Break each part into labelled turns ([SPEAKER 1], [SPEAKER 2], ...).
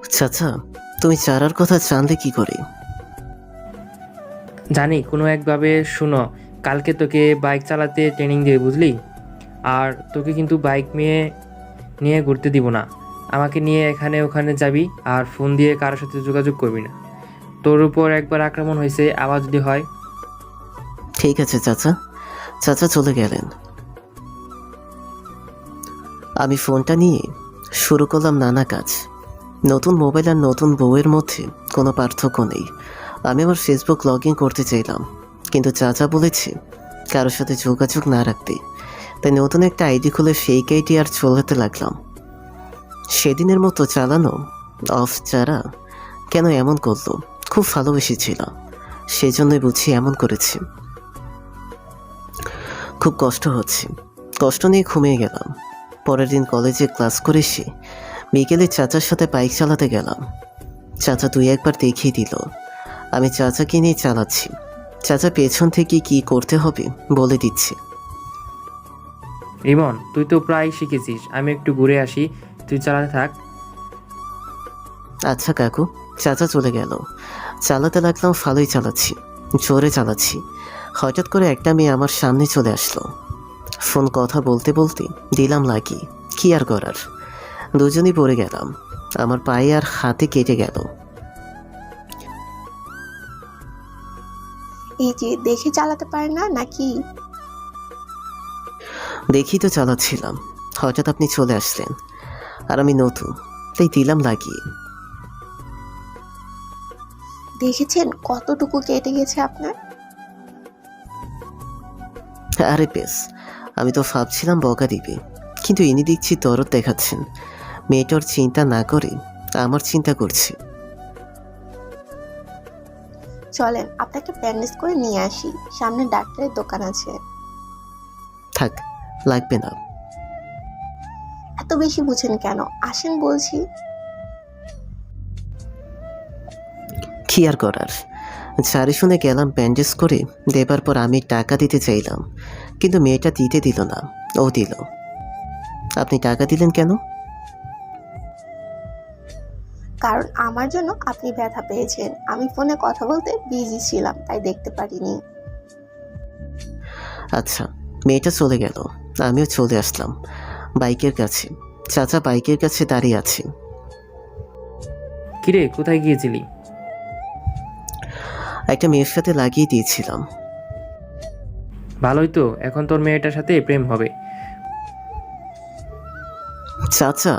[SPEAKER 1] চাচা, তুমি চারার কথা জানলে কি করে?
[SPEAKER 2] জানি কোনো একভাবে। শুনো, কালকে তোকে বাইক চালাতে ট্রেনিং দিয়ে বুঝলি? আর তোকে কিন্তু বাইক নিয়ে ঘুরতে দিব না। আমাকে নিয়ে এখানে ওখানে যাবি আর ফোন দিয়ে কারোর সাথে যোগাযোগ করবি না। তোর উপর একবার আক্রমণ হয়েছে, আবার যদি হয়।
[SPEAKER 1] ঠিক আছে চাচা। চাচা চলে গেলেন। আমি ফোনটা নিয়ে শুরু করলাম নানা কাজ। নতুন মোবাইল আর নতুন বউয়ের মধ্যে কোনো পার্থক্য নেই। আমি আমার ফেসবুক লগ ইন করতে চাইলাম, কিন্তু চাচা বলেছে কারোর সাথে যোগাযোগ না রাখতে। তাই নতুন একটা আইডি খুলে ফেক আইডি আর চলাতে লাগলাম। সেদিনের মতো চালানো অফ। চারা কেন এমন করলো? খুব ভালোবেসেছিল, সেজন্যই বুঝি এমন করেছি। খুব কষ্ট হচ্ছে। কষ্ট নিয়ে ঘুমিয়ে গেলাম। পরের দিন কলেজে ক্লাস করে এসে বিকেলে চাচার সাথে বাইক চালাতে গেলাম। চাচা দুই একবার দেখিয়ে দিল। আমি চাচাকে নিয়ে চালাচ্ছি। চাচা পেছন থেকে কি করতে হবে বলে দিচ্ছে।
[SPEAKER 2] রিমন, তুই তো প্রায় শিখেছিস, আমি একটু ঘুরে আসি, তুই চালাতে থাক।
[SPEAKER 1] আচ্ছা কাকু। চাচা চলে গেল। চালাতে লাগলাম, ভালোই চালাচ্ছি, জোরে চালাচ্ছি। হঠাৎ করে একটা মেয়ে আমার সামনে চলে আসলো। ফোন কথা বলতে বলতে দিলাম লাগি। কি আর করার, দুজনই পড়ে গেলাম। আমার পায়ে আর হাতে কেটে গেল।
[SPEAKER 3] এই যে দেখে চালাতে পারে না নাকি?
[SPEAKER 1] দেখি তো চালাচ্ছিলাম, হঠাৎ আপনি চলে আসলেন। আর আমি নতুন, তাই দিলাম লাগিয়ে।
[SPEAKER 3] দেখেছেন কতটুকু কেটে গেছে আপনার?
[SPEAKER 1] আরে বেশ, আমি তো ভাবছিলাম বকা দিবে, কিন্তু ইনি দেখছি দরদ দেখাচ্ছেন। মেয়েটার চিন্তা না করে আমার চিন্তা করছে।
[SPEAKER 3] চলেন আপনাকে ব্যান্ডেজ করে নিয়ে আসি, সামনে ডাক্তারের দোকান আছে।
[SPEAKER 1] থাক, লাগবে না।
[SPEAKER 3] এত বেশি বুঝেন কেন, আসেন বলছি।
[SPEAKER 1] কি আর করার, সারি শুনে গেলাম ব্যান্ডেজ করে দেবার পর আমি টাকা দিতে চাইলাম, কিন্তু মেয়েটা দিতে দিল না। ও দিল। আপনি টাকা দিলেন কেন?
[SPEAKER 3] কারণ আমার জন্য আপনি ব্যথা পেয়েছেন, আমি ফোনে কথা বলতে বিজি ছিলাম তাই দেখতে পারিনি।
[SPEAKER 1] আচ্ছা। মেয়েটা চলে গেল, আমিও চলে আসলাম বাইকের কাছে। চাচা বাইকের কাছে দাঁড়িয়ে আছে।
[SPEAKER 2] কিরে, কোথায় গিয়েছিলি?
[SPEAKER 1] একটা মেয়ের সাথে লাগিয়ে দিয়েছিলাম।
[SPEAKER 2] ভালোই তো, এখন তোর মেয়েটার সাথে প্রেম হবে।
[SPEAKER 1] চাচা,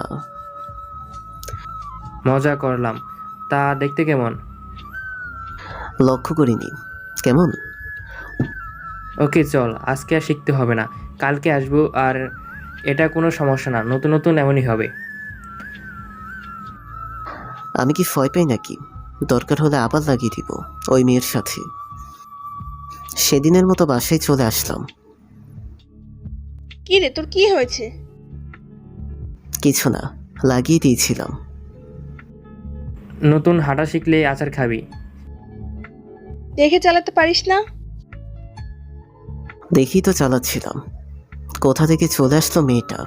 [SPEAKER 2] মজা করলাম। তা দেখতে কেমন?
[SPEAKER 1] লক্ষ্য করিনি। কেমন?
[SPEAKER 2] ওকে চল, আজকে আর শিখতে হবে না, কালকে আসবো। আর এটা কোনো সমস্যা না, নতুন নতুন এমনই হবে।
[SPEAKER 1] আমি কি ভয় পাই নাকি? দরকার হলে আবার লাগিয়ে দিব ওই মেয়ের সাথে। সেদিনের মতো বাসায় চলে আসলাম।
[SPEAKER 4] কি রে, তোর কি হয়েছে?
[SPEAKER 1] কিছু না, লাগিয়ে দিয়েছিলাম।
[SPEAKER 2] নতুন হাঁটা শিখলে আচার খাবি।
[SPEAKER 4] দেখে চালাতে পারিস না?
[SPEAKER 1] দেখি তো চালাচ্ছিলাম, কোথা থেকে চলে আসলো মেয়েটা।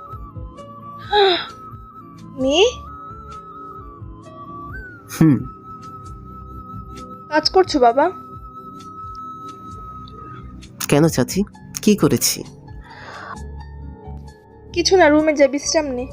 [SPEAKER 4] মেয়ে?
[SPEAKER 1] হুম।
[SPEAKER 4] কাজ করছো বাবা?
[SPEAKER 1] কেন চাচি, কি করেছি?
[SPEAKER 4] কিছু না, রুমে যা বিশ্রাম নে।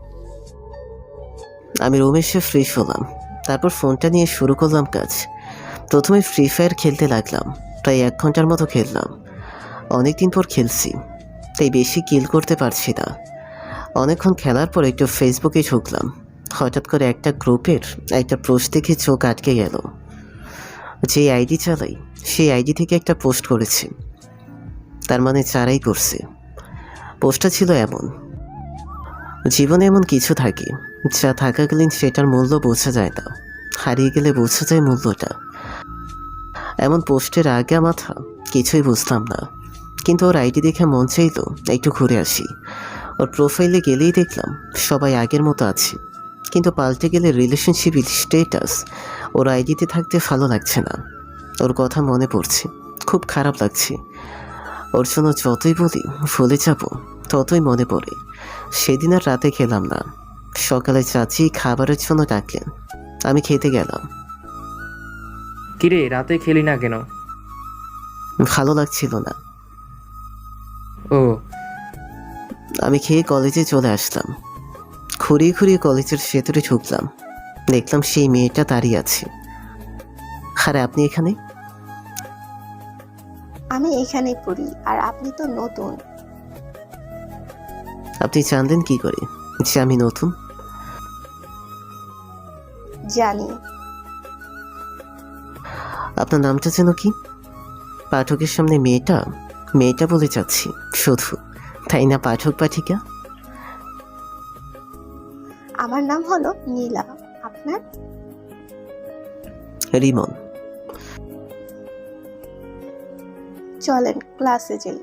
[SPEAKER 1] আমি রুমে এসে ফ্রেশ হলাম, তারপর ফোনটা নিয়ে শুরু করলাম কাজ। প্রথমে ফ্রি ফায়ার খেলতে লাগলাম। প্রায় 1 ঘন্টার মতো খেললাম। অনেকদিন পর খেলছি, তাই বেশি কিল করতে পারছি না। অনেকক্ষণ খেলার পর একটু ফেসবুকে ঢুকলাম। হঠাৎ করে একটা গ্রুপের একটা পোস্ট দেখে চোখ আটকে গেল। যে আইডি চালাই সেই আইডি থেকে একটা পোস্ট করেছে, তার মানে চারাই করছে। পোস্টটা ছিল এমন: জীবনে এমন কিছু থাকে যা থাকাকালীন সেটার মূল্য বোঝা যায় না, হারিয়ে গেলে বোঝা যায় মূল্যটা। এমন পোস্টের আগা মাথা কিছুই বুঝতাম না, কিন্তু ওর আইডি দেখে মন চাইলো একটু ঘুরে আসি। ওর প্রোফাইলে গেলেই দেখলাম সবাই আগের মতো আছে, কিন্তু পাল্টে গেলে রিলেশনশিপ স্টেটাস। ওর আইডিতে থাকতে ভালো লাগছে না। ওর কথা মনে পড়ছে, খুব খারাপ লাগছে। ওর জন্য যতই বলি ভুলে যাব, ততই মনে পড়ে। সেদিন আর রাতে খেলাম না, সকালে চাচি খাবারের জন্য ডাকলেন, আমি খেতে গেলাম।
[SPEAKER 2] কিরে রাতে খেলি না কেন?
[SPEAKER 1] ভালো লাগছিল না।
[SPEAKER 2] ও
[SPEAKER 1] আমি খেয়ে কলেজে চলে আসলাম। খুঁড়িয়ে খুঁড়িয়ে কলেজের ভেতরে ঢুকলাম, দেখলাম সেই মেয়েটা দাঁড়িয়ে আছে। আরে আপনি এখানে?
[SPEAKER 3] আমি এখানেই পড়ি, আর আপনি তো নতুন।
[SPEAKER 1] আপনি জানলেন কি করে যে আমি নতুন?
[SPEAKER 3] জানি।
[SPEAKER 1] আপনার নামটা যেন কি? পাঠকের সামনে মেয়েটা মেয়েটা বলে যাচ্ছি শুধু, তাই না পাঠক পাঠিকা?
[SPEAKER 3] আমার নাম হলো নীলা। আপনার?
[SPEAKER 1] রিমন।
[SPEAKER 3] চলেন ক্লাসে যাই।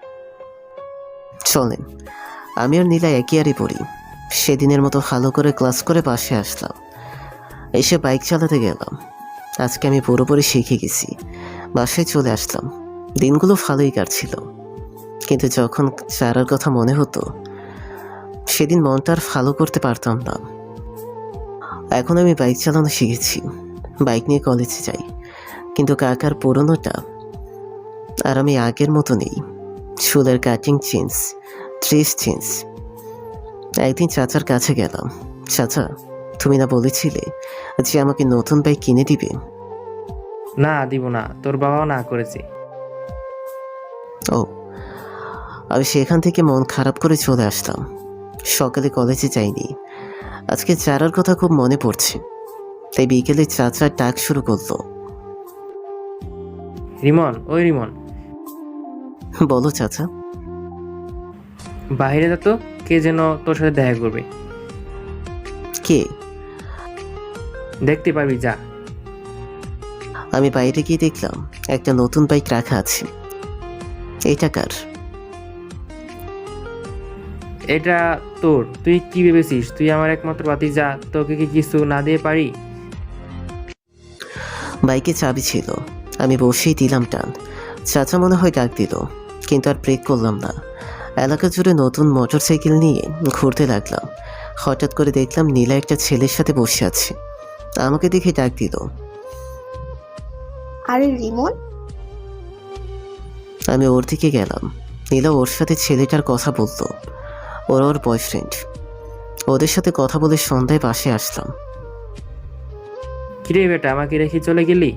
[SPEAKER 1] চলেন। আমি আর নীলা একই আরে পড়ি। সেদিনের মতো ভালো করে ক্লাস করে পাশে আসলাম, এসে বাইক চালাতে গেলাম। আজকে আমি পুরোপুরি শিখে গেছি। বাসায় চলে আসলাম। দিনগুলো ভালোই কাটছিল, কিন্তু যখন চারার কথা মনে হতো সেদিন মনটা আর ভালো করতে পারতাম না। এখন আমি বাইক চালানো শিখেছি, বাইক নিয়ে কলেজে যাই, কিন্তু কাকার পুরনোটা আর আমি আগের মতো নেই। চুলের কাটিং চেঞ্জ, ড্রেস চেঞ্জ। একদিন চাচার কাছে গেলাম। চাচা, তুমি না বলেছিলে যে আমাকে নতুন বাইক কিনে দিবে?
[SPEAKER 2] না, দিব না, তোর বাবাও না করেছে।
[SPEAKER 1] ও, আমি সেখান থেকে মন খারাপ করে চলে আসলাম। সকালে কলেজে যাইনি। আজকে চারার কথা খুব মনে পড়ছে, তাই বিকেলে চাচার ডাক শুরু করলো।
[SPEAKER 2] রিমন, ওই রিমন,
[SPEAKER 1] বলো চাচা।
[SPEAKER 2] বাইরে যা তো, কে যেন তোর সাথে দেখা করবে।
[SPEAKER 1] কে?
[SPEAKER 2] দেখতে পাবি, যা।
[SPEAKER 1] আমি বাইরে গিয়ে দেখলাম একটা নতুন বাইক রাখা আছে। এটা কার?
[SPEAKER 2] এটা তোর। তুই কি ভেবেছিস তুই আমার একমাত্র ভাতিজা, তোকে কি কিছু না দিয়ে পারি?
[SPEAKER 1] বাইকে চাবি ছিল, আমি বসেই দিলাম টান। চাচা মনে হয় ডাক দিল, কিন্তু আর ব্রেক করলাম না। এলাকা জুড়ে নতুন মোটর সাইকেল নিয়ে ঘুরতে লাগলাম। হঠাৎ করে দেখলাম নীলা একটা ছেলের সাথে বসে আছে। আমাকে দেখে ডাক দিল।
[SPEAKER 3] আরে রিমন।
[SPEAKER 1] আমি ওর দিকে গেলাম। নীলা ওর সাথে ছেলেটার কথা বলতো, ওর বয়ফ্রেন্ড। ওদের সাথে কথা বলে সন্ধ্যায় পাশে আসলাম।
[SPEAKER 2] কিরে বেটা, আমাকে রেখে চলে গেলি?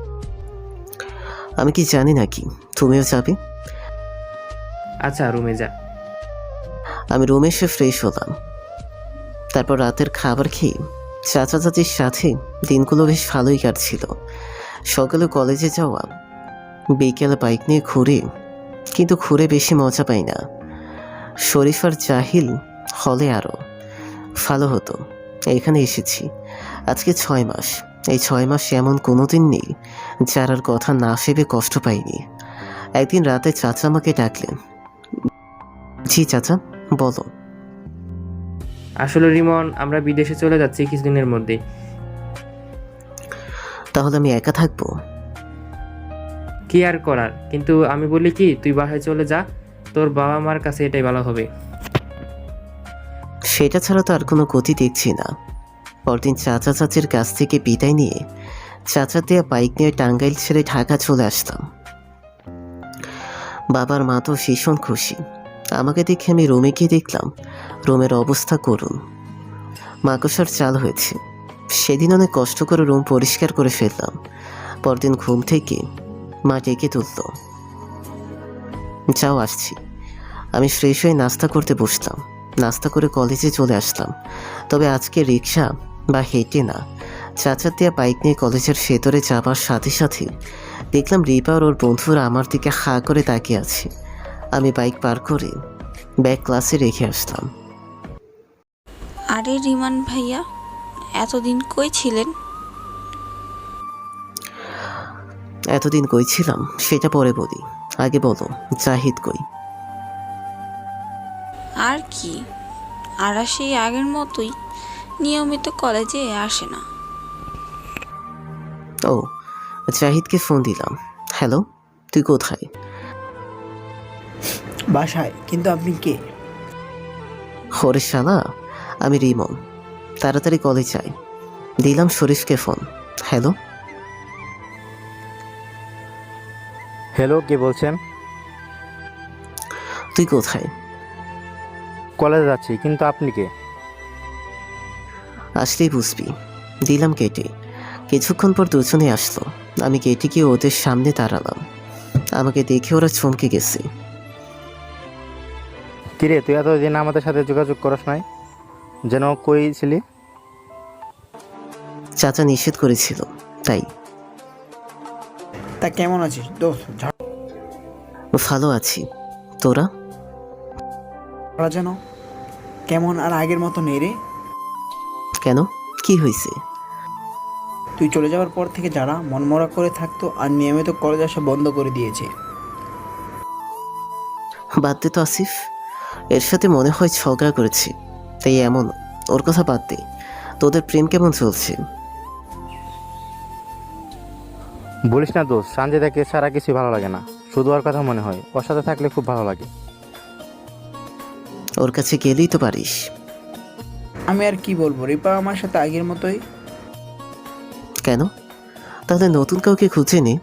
[SPEAKER 1] আমি কি জানি নাকি তুমিও যাবে?
[SPEAKER 2] আচ্ছা, রুমে যা।
[SPEAKER 1] আমি রুমে এসে ফ্রেশ হলাম। তারপর রাতের খাবার খেয়ে চাচা চাচির সাথে দিনগুলো বেশ ভালোই কাটছিল। সকালে কলেজে যাওয়া, বিকেলে বাইক নিয়ে ঘুরে, কিন্তু ঘুরে বেশি মজা পাই না। শরীফ আর জাহিল হলে আরও ভালো হতো। এখানে এসেছি আজকে 6 মাস। এই 6 মাস এমন কোনো দিন নেই যারার কথা না ভেবে কষ্ট পাইনি। একদিন রাতে চাচা আমাকে ডাকলেন। জি চাচা, বলো।
[SPEAKER 2] আসলে রিমন, আমরা বিদেশে চলে যাচ্ছি কিছুদিনের মধ্যে।
[SPEAKER 1] তাহলে আমি একা থাকবো?
[SPEAKER 2] কি আর করার, কিন্তু আমি বলি কি, তুই বাসায় চলে যা, তোর বাবা মার কাছে এটাই ভালো হবে।
[SPEAKER 1] সেটা ছাড়া তো আর কোনো গতি দেখছি না। পরদিন চাচা চাচির কাছ থেকে বিদায় নিয়ে চাচার দেয়া বাইক নিয়ে টাঙ্গাইল ছেড়ে ঢাকা চলে আসলাম। বাবার মা তো ভীষণ খুশি। আমাকে দেখে আমি রুমে গিয়ে দেখলাম রুমের অবস্থা করুণ। মাকড়সার চাল হয়েছে। সেদিন অনেক কষ্ট করে রুম পরিষ্কার করে ফেললাম। পরদিন ঘুম থেকে মা ডেকে তুলল। যাও, আসছি। আমি ফ্রেশ হয়ে নাস্তা করতে বসলাম। নাস্তা করে কলেজে চলে আসলাম, তবে আজকে রিক্সা বা হেঁটে না, চাচার দেয়া বাইক নিয়ে কলেজের ভেতরে যাবার সাথে সাথে দেখলাম রিপা আর ওর বন্ধুরা আমার দিকে হাঁ করে তাকিয়ে আছে। আমি বাইক পার করে ব্যাগ ক্লাসে রেখে আসলাম।
[SPEAKER 5] আরে রিমান ভাইয়া, এতদিন কই ছিলেন?
[SPEAKER 1] এতদিন কই ছিলাম সেটা পরে বলি, আগে বলো জাহিদ কই?
[SPEAKER 5] আর কি, আর সেই আগের মতোই নিয়মিত কলেজে আসে না।
[SPEAKER 1] ও, জাহিদকে ফোন দিলাম। হ্যালো, তুই কোথায়?
[SPEAKER 6] বাসায়। কিন্তু আপনি কে?
[SPEAKER 1] হরে শালা, আমি রিমন। তাড়াতাড়ি কলেজ যাই। দিলাম শরীফকে ফোন। হ্যালো।
[SPEAKER 6] হ্যালো, কে বলছেন?
[SPEAKER 1] তুই কোথায়?
[SPEAKER 6] কলেজে যাচ্ছি, কিন্তু আপনি কে?
[SPEAKER 1] আসলেই বুঝবি। দিলাম কেটে। কিছুক্ষণ পর দুজনে আসলো। আমি কেটে গিয়ে ওদের সামনে দাঁড়ালাম। আমাকে দেখে ওরা চমকে গেছে।
[SPEAKER 6] কিরে, তুই এতদিন আমাদের সাথে যোগাযোগ করস নাই, যেন কই ছিলি?
[SPEAKER 1] চাচা নিষেধ করেছিল, তাই।
[SPEAKER 7] তা কেমন আছিস দোস্ত?
[SPEAKER 1] ভালো আছি। তোরা?
[SPEAKER 7] ঝাড়া যেন কেমন আর আগের মতো নেই রে।
[SPEAKER 1] কেন, কি হয়েছে?
[SPEAKER 7] তুই চলে যাওয়ার পর থেকে যারা মনমরা করে থাকতো আর নিয়মিত কলেজ আসা বন্ধ করে দিয়েছে।
[SPEAKER 1] বাদ দে তো আসিফ। এর সাথে মনে হয় ঝগড়া করেছি, তাই এমন। ওর কথা বাদ দে। তোদের প্রেম কেমন চলছে?
[SPEAKER 6] বলিস না দোস্ত, সানজিদাকে সারা কিছু ভালো লাগে না, শুধু ওর কথা মনে হয়। ওর সাথে থাকলে খুব ভালো লাগে।
[SPEAKER 1] ওর কাছে গেলেই তো পারিস।
[SPEAKER 7] আমি আর কি বলবো, রিপা আমার সাথে আগের মতোই।
[SPEAKER 1] কেন? তাহলে নতুন কাউকে খুঁজে নে।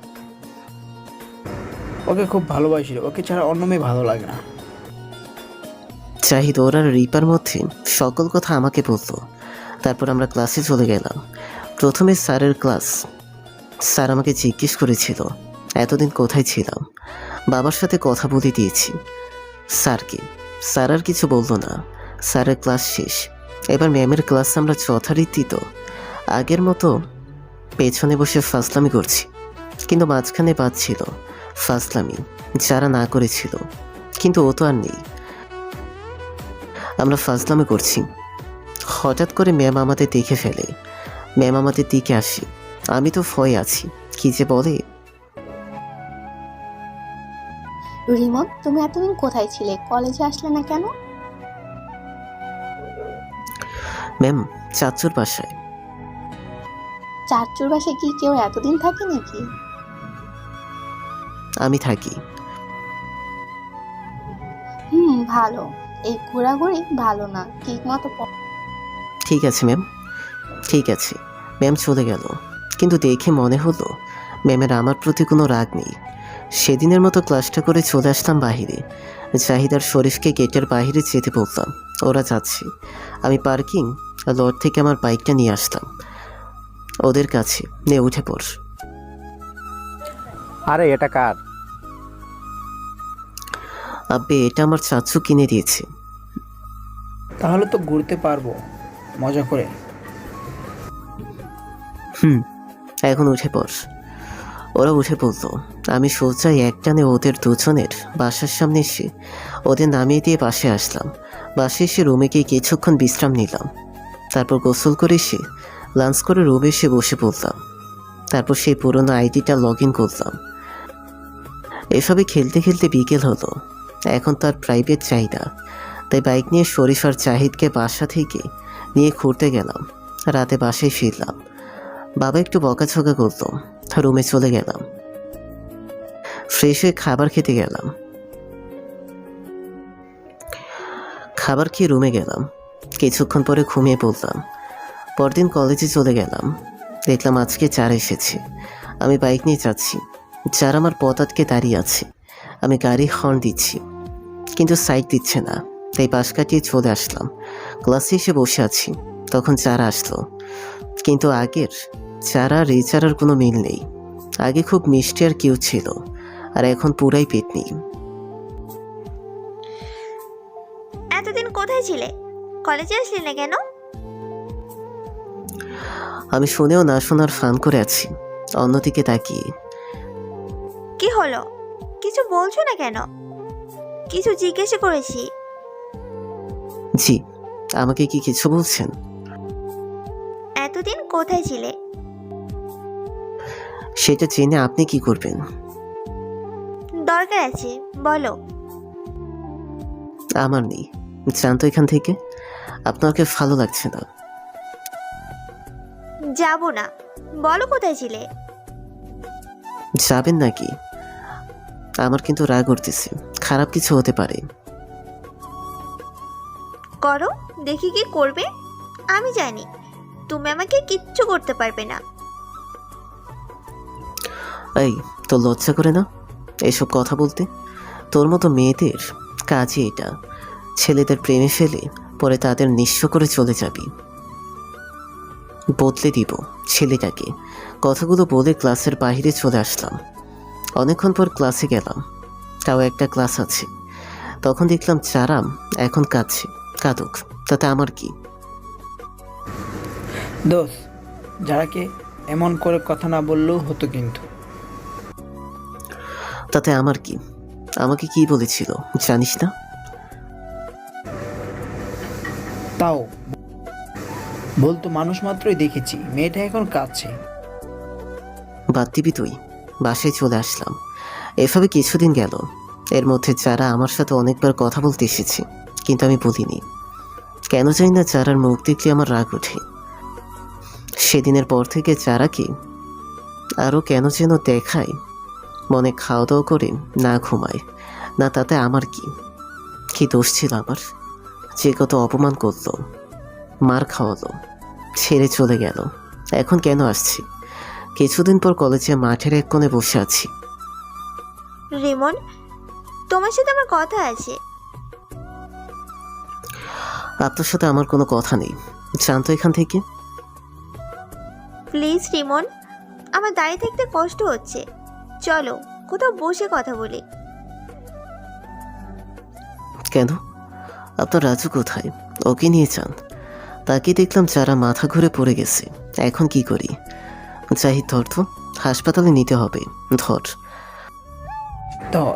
[SPEAKER 7] ওকে খুব ভালোবাসি রে, ওকে ছাড়া অন্য মেয়ে ভালো লাগে না।
[SPEAKER 1] চাহিদ ওর আর রিপার মধ্যে সকল কথা আমাকে বলতো। তারপর আমরা ক্লাসে চলে গেলাম। প্রথমে স্যারের ক্লাস। স্যার আমাকে জিজ্ঞেস করেছিল এতদিন কোথায় ছিলাম। বাবার সাথে কথা বলে দিয়েছি স্যারকে। স্যার আর কিছু বললো না। স্যারের ক্লাস শেষ। এবার ম্যামের ক্লাস। আমরা যথারীতি তো আগের মতো পেছনে বসে ফাজলামি করছি, কিন্তু মাঝখানে বাদ ছিল ফাজলামি যারা না করেছিল, কিন্তু ও তো আর নেই। আমরা ফাজলামি করছি। হঠাৎ করে ম্যাম আমাদের দেখে ফেলে। ম্যাম আমাদের দিকে আসে। আমি তো ভয়ে আছি, কি যে বলে।
[SPEAKER 3] রিমন, তুমি এতদিন কোথায় ছিলে? কলেজে আসলে না কেন?
[SPEAKER 1] ম্যাম, চাচুর বাসায়।
[SPEAKER 3] চাচুর বাসায় কি কেউ এতদিন থাকে নাকি?
[SPEAKER 1] আমি থাকি।
[SPEAKER 3] ভালো। এই ঘোরাঘুরি ভালো না, ঠিক মতো
[SPEAKER 1] ঠিক আছে ম্যাম, ঠিক আছে। ম্যাম চলে গেল, কিন্তু দেখে মনে হলো ম্যামের আমার প্রতি কোনো রাগ নেই। সেদিনের মতো ক্লাসটা করে চলে আসলাম বাহিরে। জাহিদ আর শরীফকে গেটের বাইরে যেতে বললাম। ওরা যাচ্ছে। আমি পার্কিং লট থেকে আমার বাইকটা নিয়ে আসলাম ওদের কাছে। নিয়ে উঠে পড়।
[SPEAKER 6] আরে এটা কার?
[SPEAKER 1] আব্বে, এটা আমার চাচু কিনে দিয়েছে।
[SPEAKER 7] তাহলে তো ঘুরতে পারবো মজা করে।
[SPEAKER 1] এখন উঠে পড়। ওরা উঠে পড়লো। আমি সোজা একটানে ওদের দুজনের বাসার সামনে এসে ওদের নামিয়ে দিয়ে বাসে আসলাম। বাসে এসে রুমে গিয়ে কিছুক্ষণ বিশ্রাম নিলাম। তারপর গোসল করে এসে লাঞ্চ করে রুমে এসে বসে পড়লাম। তারপর সেই পুরনো আইডিটা লগ ইন করলাম। এসবে খেলতে খেলতে বিকেল হলো। এখন তার প্রাইভেট চাহিদা, তাই বাইক নিয়ে শরীফ আর জাহিদকে বাসা থেকে নিয়ে ঘুরতে গেলাম। রাতে বাসায় ফিরলাম। বাবা একটু বকাঝকা করতো, রুমে চলে গেলাম। ফ্রেশ হয়ে খাবার খেতে গেলাম। খাবার খেয়ে রুমে গেলাম। কিছুক্ষণ পরে ঘুমিয়ে পড়লাম। পরদিন কলেজে চলে গেলাম। দেখলাম আজকে চার এসেছে। আমি বাইক নিয়ে যাচ্ছি। চার আমার পথ আটকে দাঁড়িয়ে আছে। আমি গাড়ি হর্ন দিচ্ছি, কিন্তু সাইড দিচ্ছে না, তাই পাশ কাটিয়ে চলে আসলাম। ক্লাসে এসে বসে আছি, তখন চারা আসলো। কিন্তু আগের চারা আর এই চারার কোনো মিল নেই। আগে খুব মিষ্টি আর কিউট ছিল, আর এখন পুরাই পেতনি।
[SPEAKER 8] এতদিন কোথায় ছিলে? কলেজে আসলি না কেন?
[SPEAKER 1] আমি শুনেও না শোনার ফান করে আছি অন্যদিকে তাকিয়ে।
[SPEAKER 8] কি হলো? কিছু বলছো না কেন? কিছু জিজ্ঞেস করেছি।
[SPEAKER 1] জি, আমাকে কি কিছু বলছেন?
[SPEAKER 8] এতদিন কোথায় ছিলে?
[SPEAKER 1] সেটা জেনে আপনি কি করবেন?
[SPEAKER 8] দরকার আছে, বলো।
[SPEAKER 1] আমার নেই, জানতো এখান থেকে। আপনাকে ভালো লাগছে না।
[SPEAKER 8] যাব না, বলো কোথায় ছিলে।
[SPEAKER 1] যাবেন নাকি? আমার কিন্তু রাগ উঠতেছে, খারাপ কিছু হতে পারে।
[SPEAKER 8] করো, দেখি কি করবে। আমি জানি তুমি আমাকে কিচ্ছু করতে পারবে না।
[SPEAKER 1] এই, তোর লজ্জা করে না এসব কথা বলতে? তোর মতো মেয়েদের কাজই এটা, ছেলেদের প্রেমে ফেলে পরে তাদের নিঃস্ব করে চলে যাবি। বদলে দিব ছেলেটাকে। কথাগুলো বলে ক্লাসের বাইরে চলে আসলাম। অনেকক্ষণ পর ক্লাসে গেলাম, তাও একটা ক্লাস আছে। তখন দেখলাম চারাম এখন কাঁদছে। কাঁদুক, তাতে আমার কি?
[SPEAKER 7] দোষ, যারাকে এমন করে কথা না বললেও হতো কিন্তু।
[SPEAKER 1] তাতে আমার কি? আমাকে কি বলেছিল জানিস না?
[SPEAKER 7] তাও বলতো মানুষ মাত্রই দেখেছি, মেয়েটা এখন কাঁদছে।
[SPEAKER 1] বাদ দিবি তুই? বাসায় চলে আসলাম। এভাবে কিছুদিন গেল। এর মধ্যে যারা আমার সাথে অনেকবার কথা বলতে এসেছে, কিন্তু আমি বলিনি। কেন জানি না, চারার মুখ দেখলে আমার রাগ ওঠে। সেদিনের পর থেকে চারাকে আরও কেন যেন দেখায়, মনে খাওয়া দাওয়া করে না ঘুমায় না। তাতে আমার কি? কি দোষ ছিল আমার? যে কত অপমান করলো, মার খাওয়ালো, ছেড়ে চলে গেল। এখন কেন আসছি? কিছুদিন পর কলেজে মাঠের এক কোণে বসে আছি।
[SPEAKER 8] রিমন, তোমার সাথে আমার কথা আছে।
[SPEAKER 1] আপনার সাথে আমার কোনো কথা নেই, জানতো এখান থেকে।
[SPEAKER 8] প্লিজ রিমন, আমার দাঁড়িয়ে থাকতে কষ্ট হচ্ছে, চলো কোথাও বসে কথা বলি।
[SPEAKER 1] কেন? আপনার রাজু কোথায়? ওকে নিয়ে যান। তাকে দেখলাম যারা মাথা ঘুরে পড়ে গেছে। এখন কি করি? জাহিদ, ধর তো, হাসপাতালে নিতে হবে। ধর।
[SPEAKER 7] ধর।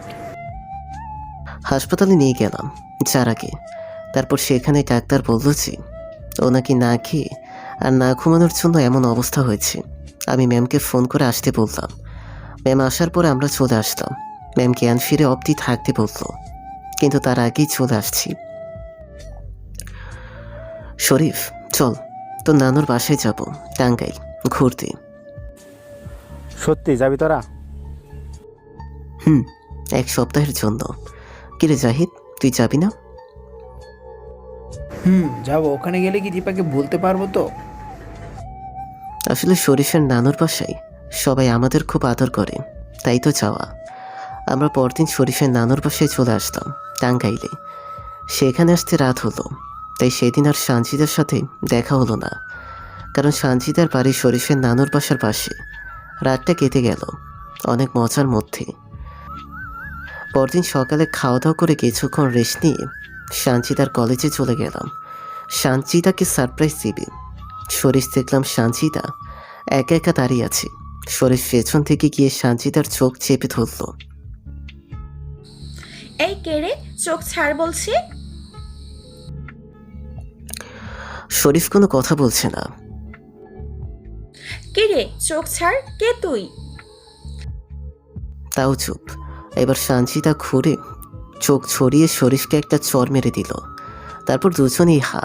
[SPEAKER 1] হাসপাতালে নিয়ে গেলাম যারাকে। তারপর সেখানে ডাক্তার বলল যে ও নাকি না খেয়ে আর না ঘুমানোর জন্য এমন অবস্থা হয়েছে। আমি ম্যামকে ফোন করে আসতে বললাম। ম্যাম আসার পরে আমরা চলে আসলাম। ম্যাম জ্ঞান ফিরে অবধি থাকতে বলল, কিন্তু তার আগেই চলে আসছি। শরীফ, চল, তোর নানুর বাসায় যাব, টাঙ্গাইল ঘুরতে।
[SPEAKER 6] সত্যি যাবি তোরা?
[SPEAKER 1] হুম, 1 সপ্তাহের জন্য। কিরে জাহিদ, তুই যাবি না?
[SPEAKER 7] যাবো। ওখানে গেলে কি দীপাকে বলতে পারবো তো?
[SPEAKER 1] আসলে শরীফের নানুর বাসায় সবাই আমাদের খুব আদর করে, তাই তো যাওয়া। আমরা পরদিন শরীফের নানুর বাসায় চলে আসলাম টাঙ্গাইলে। সেখানে আসতে রাত হলো, তাই সেদিন আর সানজিদার সাথে দেখা হলো না। কারণ সানজিদার বাড়ি শরীফের নানুর বাসার পাশে। রাতটা কেটে গেল অনেক মজার মধ্যে। পরদিন সকালে খাওয়া দাওয়া করে কিছুক্ষণ রেস্ট নিয়ে সানজিদার কলেজে চলে গেলাম সানজিদাকে সারপ্রাইজ দিবে। শরীফ দেখলাম সানজিদা একা একা দাঁড়িয়ে আছে। শরীফ পেছন থেকে গিয়ে সানজিদার চোখ চেপে ধরল।
[SPEAKER 9] এই কে রে, চোখ ছাড় বলছি।
[SPEAKER 1] শরীফ কোনো কথা বলছে না।
[SPEAKER 9] কে রে, চোখ ছাড়, কে তুই?
[SPEAKER 1] তাও চুপ। এবার সানজিদা ঘুরে চোখ ছড়িয়ে শরীফকে একটা চর মেরে দিল। তারপর দুজনেই হা।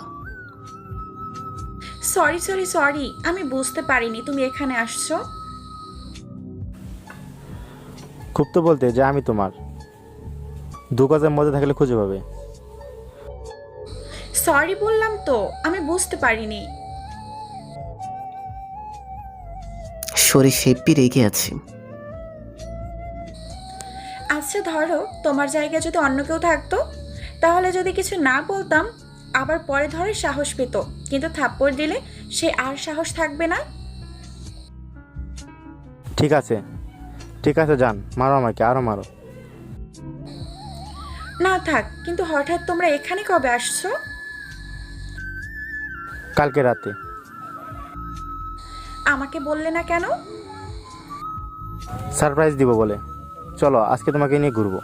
[SPEAKER 9] সরি সরি সরি, আমি বুঝতে পারিনি তুমি এখানে আসছো।
[SPEAKER 6] খুব তো বলতে যে আমি তোমার 2 গজের মধ্যে থাকলে খুঁজে পাবে।
[SPEAKER 9] সরি বললাম তো, আমি বুঝতে পারিনি।
[SPEAKER 1] শরীফ হেব্বি রেগে আছে।
[SPEAKER 9] আচ্ছা ধরো, তোমার জায়গায় যদি অন্য কেউ থাকতো, তাহলে যদি কিছু না বলতাম, আবার পরে ধরে সাহস পেত, কিন্তু থাপ্পড় দিলে সে আর সাহস থাকবে না।
[SPEAKER 6] ঠিক আছে ঠিক আছে, যান, মারো আমাকে, আরো মারো।
[SPEAKER 9] না থাক, কিন্তু হঠাৎ তোমরা এখানে কবে আসছো?
[SPEAKER 6] কালকে রাতে।
[SPEAKER 9] আমাকে বললে না কেন?
[SPEAKER 6] সারপ্রাইজ দিব বলে। চলো আজকে তোমাকে নিয়ে ঘুরবো।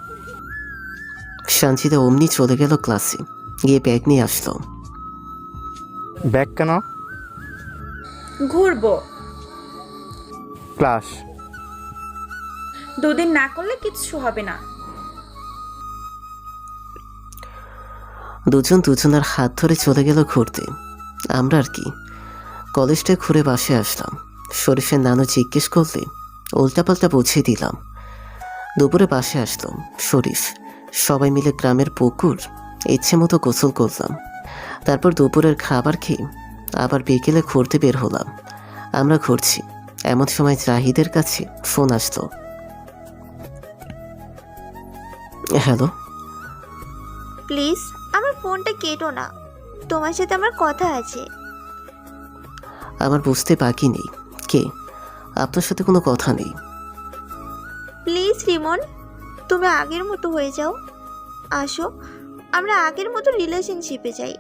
[SPEAKER 1] সানজিদা অমনি চলে গেল ক্লাসে, গিয়ে ব্যাগ নিয়ে আসলো।
[SPEAKER 6] ব্যাগ কেন?
[SPEAKER 9] ঘুরবো।
[SPEAKER 6] ক্লাস
[SPEAKER 9] 2 দিন না করলে কিচ্ছু হবে না।
[SPEAKER 1] দুজন দুজনের হাত ধরে চলে গেল ঘুরতে। আমরা আর কি, কলেজটা ঘুরে বাসে আসলাম। শরীফের নানু জিজ্ঞেস করলে উল্টাপাল্টা বুঝিয়ে দিলাম। দুপুরে বাসে আসলাম শরীফ। সবাই মিলে গ্রামের পুকুর ইচ্ছে মতো গোসল করলাম। তারপর দুপুরের খাবার খেয়ে আবার বিকেলে ঘুরতে বের হলাম। আমরা ঘুরছি, এমন সময় জাহিদের কাছে ফোন আসতো। হ্যালো।
[SPEAKER 8] প্লিজ আমার ফোনটা কেটো না, তোমার সাথে আমার কথা আছে।
[SPEAKER 1] আমার বুঝতে বাকি নেই কে, আপনার সাথে কোনো কথা নেই।
[SPEAKER 8] প্লিজ রিমন, তুমি আগের মতো হয়ে যাও। আসো, আমরা আগের মতো রিলেশনশিপে যাই।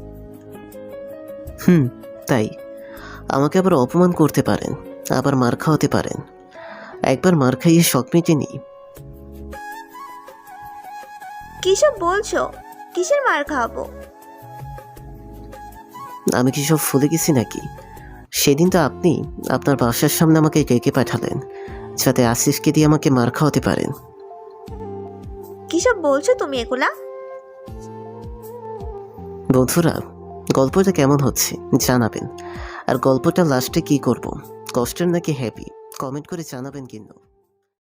[SPEAKER 1] তাই আমাকে আবার অপমান করতে পারেন, আবার মার খাওয়াতে পারেন। একবার মার খাইয়ে শখ মিটেনি।
[SPEAKER 8] কিসব বলছো? কিসের মার খাওয়াবো?
[SPEAKER 1] আমি কি সব ভুলে গেছি নাকি? সেদিন তো আপনি আপনার বাসার সামনে আমাকে ডেকে পাঠালেন যাতে আশিসকে দিয়ে আমাকে মার খাওয়াতে পারেন।
[SPEAKER 8] কিসব বলছো তুমি এগুলা?
[SPEAKER 1] বন্ধুরা, গল্পটা কেমন হচ্ছে জানাবেন। আর গল্পটা লাস্টে কি করব, কষ্টের নাকি হ্যাপি, কমেন্ট করে জানাবেন কিন্তু।